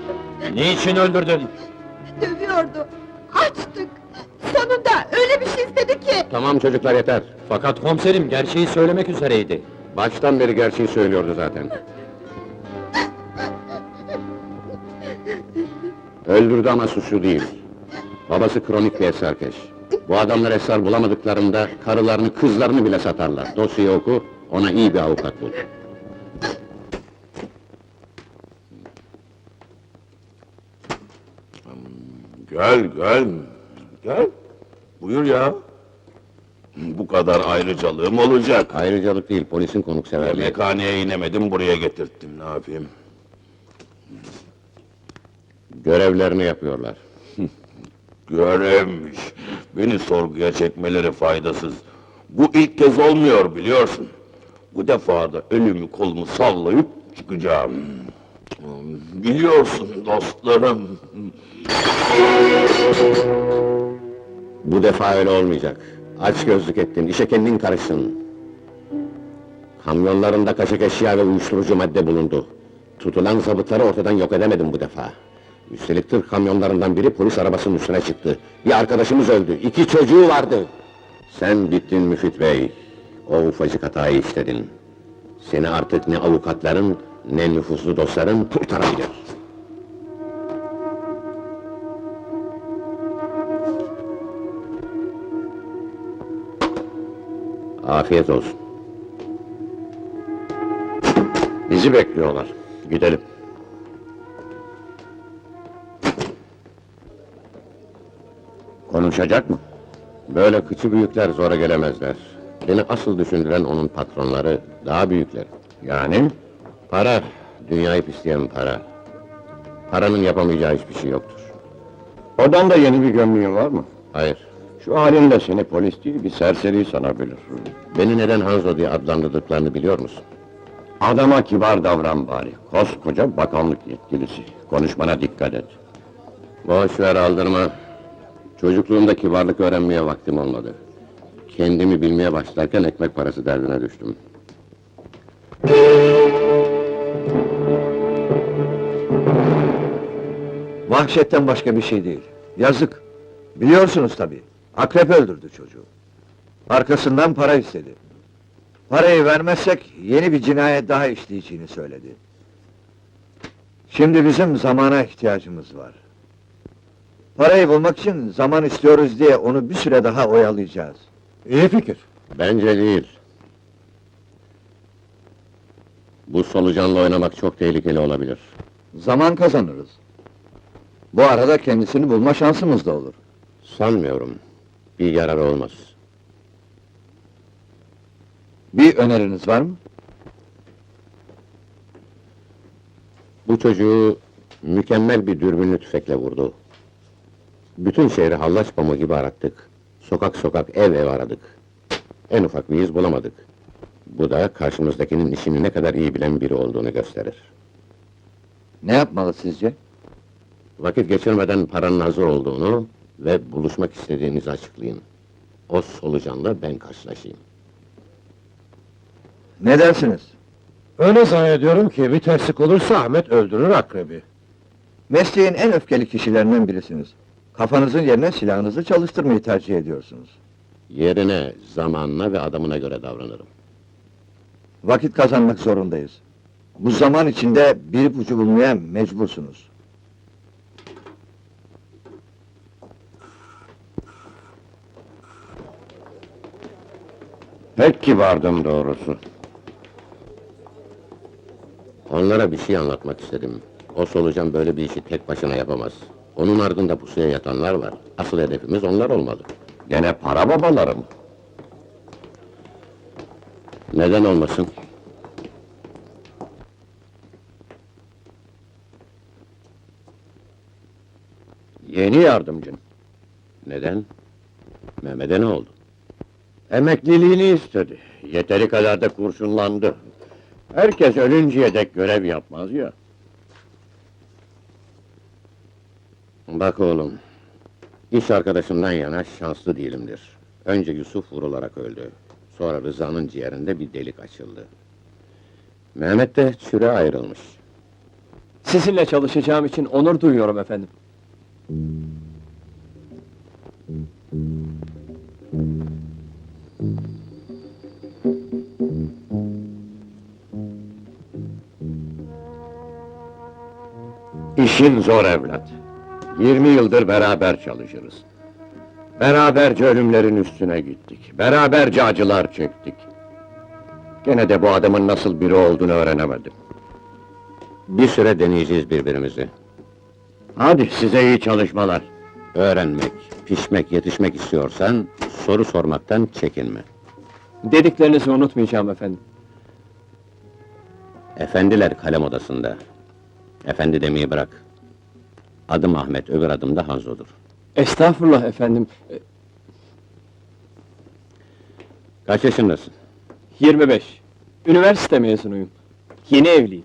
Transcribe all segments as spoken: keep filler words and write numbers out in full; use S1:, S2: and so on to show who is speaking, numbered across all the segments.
S1: Niçin öldürdün?
S2: Dövüyordu. Açtık. Sonunda öyle bir şey istedi ki.
S3: Tamam çocuklar yeter.
S1: Fakat komiserim gerçeği söylemek üzereydi.
S3: Baştan beri gerçeği söylüyordu zaten. Öldürdü ama suçlu değil. Babası kronik bir esrarkeş. Bu adamlar esrar bulamadıklarında karılarını, kızlarını bile satarlar. Dosyayı oku, ona iyi bir avukat bul.
S4: Gel, gel, gel. Buyur ya. Bu kadar ayrıcalığım olacak.
S3: Ayrıcalık değil, polisin konukseverliği.
S4: Yemekhaneye inemedim, buraya getirttim, ne yapayım?
S3: Görevlerini yapıyorlar.
S4: Görevmiş. Beni sorguya çekmeleri faydasız. Bu ilk kez olmuyor, biliyorsun. Bu defa da elimi kolumu sallayıp çıkacağım. Biliyorsun dostlarım.
S3: Bu defa öyle olmayacak. Aç gözlük ettin, işe kendin karışsın. Kamyonlarında kaçak eşya ve uyuşturucu madde bulundu. Tutulan zabıtları ortadan yok edemedim bu defa. Üstelik tır kamyonlarından biri polis arabasının üstüne çıktı. Bir arkadaşımız öldü, iki çocuğu vardı. Sen bittin Müfit Bey. O ufacık hatayı işledin. Seni artık ne avukatların, ne nüfuzlu dostların kurtarabilir. Afiyet olsun. Bizi bekliyorlar. Gidelim. Konuşacak mı? Böyle kıçı büyükler zora gelemezler. Beni asıl düşündüren onun patronları, daha büyükler. Yani? Para, dünyayı pisleyen para. Paranın yapamayacağı hiçbir şey yoktur.
S5: Odan da yeni bir gömleğin var mı?
S3: Hayır,
S5: Şu halinde seni polis değil, bir serseri sanabilir.
S3: beni neden Hanzo diye adlandırdıklarını biliyor musun?
S5: Adama kibar davran bari, koskoca bakanlık yetkilisi. Konuşmana dikkat et.
S3: Boş ver, aldırma. Çocukluğumda kibarlık öğrenmeye vaktim olmadı. Kendimi bilmeye başlarken ekmek parası derdine düştüm.
S6: Vahşetten başka bir şey değil. Yazık. Biliyorsunuz tabii. Akrep öldürdü çocuğu. Arkasından para istedi. Parayı vermezsek yeni bir cinayet daha işleyeceğini söyledi. Şimdi bizim zamana ihtiyacımız var. Parayı bulmak için zaman istiyoruz diye onu bir süre daha oyalayacağız.
S5: İyi fikir.
S3: Bence değil. Bu solucanla oynamak çok tehlikeli olabilir.
S6: Zaman kazanırız. Bu arada kendisini bulma şansımız da olur.
S3: Sanmıyorum. Bir yarar olmaz.
S6: Bir öneriniz var mı?
S3: Bu çocuğu mükemmel bir dürbünlü tüfekle vurdu. Bütün şehri hallaç pamuğu gibi arattık. Sokak sokak, ev ev aradık. En ufak bir iz bulamadık. Bu da karşımızdakinin işini ne kadar iyi bilen biri olduğunu gösterir.
S6: Ne yapmalı sizce?
S3: Vakit geçirmeden paranın hazır olduğunu ve buluşmak istediğinizi açıklayın. O solucanla ben karşılaşayım.
S6: Ne dersiniz?
S5: Öyle zannediyorum ki bir terslik olursa Ahmet öldürür akrebi.
S6: Mesleğin en öfkeli kişilerinden birisiniz. Kafanızın yerine silahınızı çalıştırmayı tercih ediyorsunuz.
S3: Yerine, zamanına ve adamına göre davranırım.
S6: Vakit kazanmak zorundayız. Bu zaman içinde bir ipucu bulmaya mecbursunuz.
S5: Pek kibardım doğrusu.
S3: Onlara bir şey anlatmak istedim. O solucan böyle bir işi tek başına yapamaz. Onun ardında pusuya yatanlar var. Asıl hedefimiz onlar olmalı.
S5: Gene para babaları mı?
S3: Neden olmasın?
S5: Yeni yardımcın.
S3: Neden? Mehmet'e ne oldu?
S5: Emekliliğini istedi. Yeteri kadar da kurşunlandı. Herkes ölünceye dek görev yapmaz ya.
S3: Bak oğlum, iş arkadaşımdan yana şanslı değilimdir. Önce Yusuf vurularak öldü. Sonra Rıza'nın ciğerinde bir delik açıldı. Mehmet de çüre ayrılmış.
S7: Sizinle çalışacağım için onur duyuyorum efendim.
S5: İşin zor evlat. Yirmi yıldır beraber çalışırız. Beraberce ölümlerin üstüne gittik. Beraberce acılar çektik. Gene de bu adamın nasıl biri olduğunu öğrenemedim.
S3: Bir süre deneyeceğiz birbirimizi.
S5: Hadi size iyi çalışmalar.
S3: Öğrenmek, pişmek, yetişmek istiyorsan soru sormaktan çekinme.
S7: Dediklerinizi unutmayacağım efendim.
S3: Efendiler kalem odasında. Efendi demeyi bırak. Adım Ahmet, öbür adım da Hanzo'dur.
S7: Estağfurullah efendim. E,
S3: Kaç yaşındasın?
S7: yirmi beş. Üniversite mezunuyum. Yeni evliyim.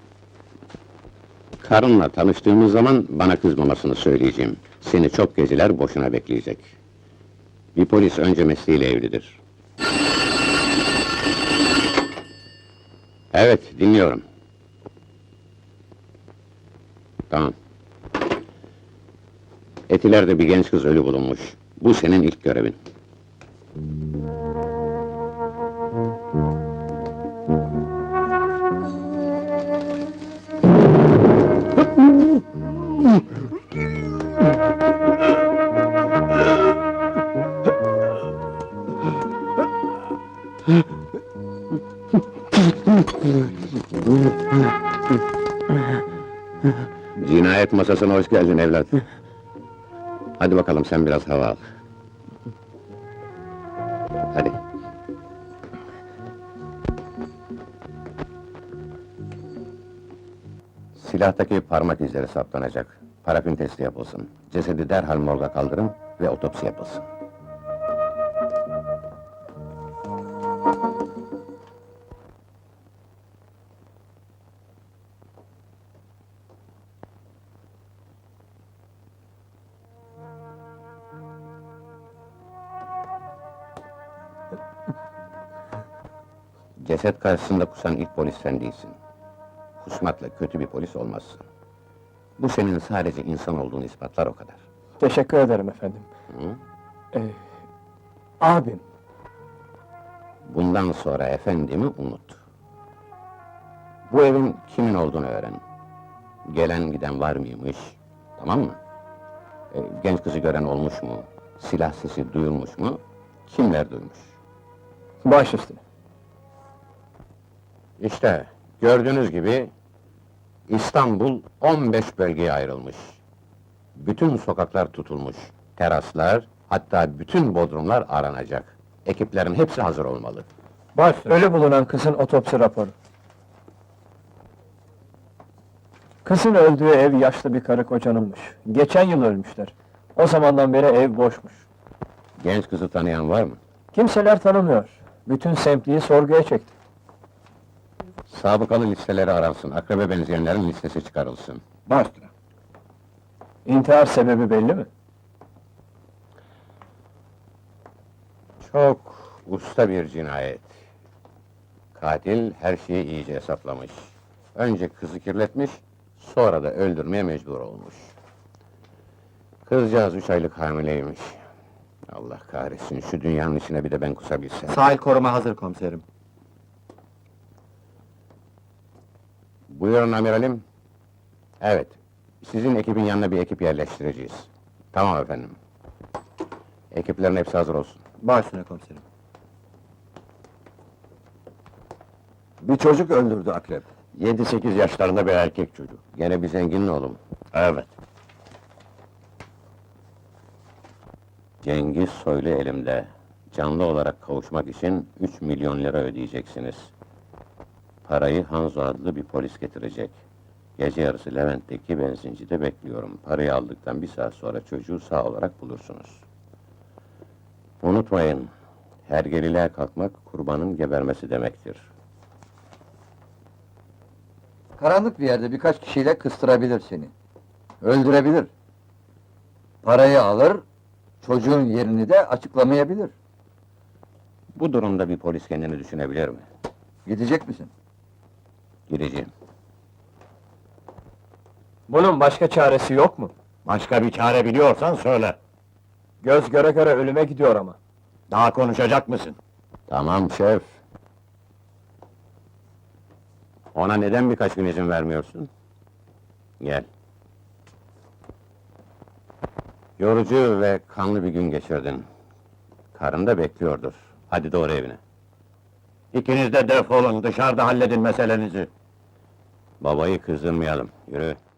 S3: Karınla tanıştığımız zaman bana kızmamasını söyleyeceğim. Seni çok geceler boşuna bekleyecek. Bir polis önce mesleğiyle evlidir. Evet, dinliyorum. Tamam. Etiler'de bir genç kız ölü bulunmuş. Bu senin ilk görevin. Cinayet masasına hoş geldin evlat. Hadi bakalım sen biraz hava al. Hadi. Silahtaki parmak izleri saptanacak. Parafin testi yapılsın. Cesedi derhal morga kaldırın ve otopsi yapılsın. Ceset karşısında kusan ilk polis sen değilsin. Kusmakla kötü bir polis olmazsın. Bu senin sadece insan olduğunu ispatlar o kadar.
S7: Teşekkür ederim efendim.
S3: Hı?
S7: Ee, abim.
S3: Bundan sonra efendimi unut. Bu evin kimin olduğunu öğren. Gelen giden var mıymış, tamam mı? Ee, genç kızı gören olmuş mu? Silah sesi duyulmuş mu? Kimler duymuş?
S7: Baş üstüne.
S3: İşte, gördüğünüz gibi... İstanbul on beş bölgeye ayrılmış. Bütün sokaklar tutulmuş. Teraslar, hatta bütün bodrumlar aranacak. Ekiplerin hepsi hazır olmalı.
S7: Baş ölü bulunan kızın otopsi raporu. Kızın öldüğü ev yaşlı bir karı kocanınmış. Geçen yıl ölmüşler. O zamandan beri ev boşmuş.
S3: Genç kızı tanıyan var mı?
S7: Kimseler tanımıyor. Bütün semtliği sorguya çekti.
S3: Sabıkalı listeleri aransın, akraba benzeyenlerin listesi çıkarılsın.
S7: Başla. İntihar sebebi belli mi?
S3: Çok usta bir cinayet. Katil her şeyi iyice hesaplamış. Önce kızı kirletmiş, sonra da öldürmeye mecbur olmuş. Kızcağız üç aylık hamileymiş. Allah kahretsin, şu dünyanın içine bir de ben kusabilsem.
S6: Sahil koruma hazır komiserim.
S3: Buyurun amiralim. Evet, sizin ekibin yanına bir ekip yerleştireceğiz. Tamam efendim. Ekiplerin hepsi hazır olsun.
S6: Baş üstüne komiserim. Bir çocuk öldürdü akrep.
S5: Yedi sekiz yaşlarında bir erkek çocuk.
S3: Gene bir zenginin oğlu mu?
S5: Evet.
S3: Cengiz Soylu elimde. Canlı olarak kavuşmak için üç milyon lira ödeyeceksiniz. Parayı Hanzo adlı bir polis getirecek. Gece yarısı Levent'teki benzincide bekliyorum. Parayı aldıktan bir saat sonra çocuğu sağ olarak bulursunuz. Unutmayın, hergeliliğe kalkmak kurbanın gebermesi demektir.
S6: Karanlık bir yerde birkaç kişiyle kıstırabilir seni. Öldürebilir. Parayı alır, çocuğun yerini de açıklamayabilir.
S3: Bu durumda bir polis kendini düşünebilir mi?
S6: Gidecek misin?
S3: Gideceğim.
S7: Bunun başka çaresi yok mu?
S5: Başka bir çare biliyorsan söyle.
S7: Göz göre göre ölüme gidiyor ama.
S5: Daha konuşacak mısın?
S3: Tamam şef. Ona neden birkaç gün izin vermiyorsun? Gel. Yorucu ve kanlı bir gün geçirdin. Karın da bekliyordur. Hadi doğru evine.
S5: İkiniz de defolun, dışarıda halledin meselenizi.
S3: Babayı kızdırmayalım. Yürü.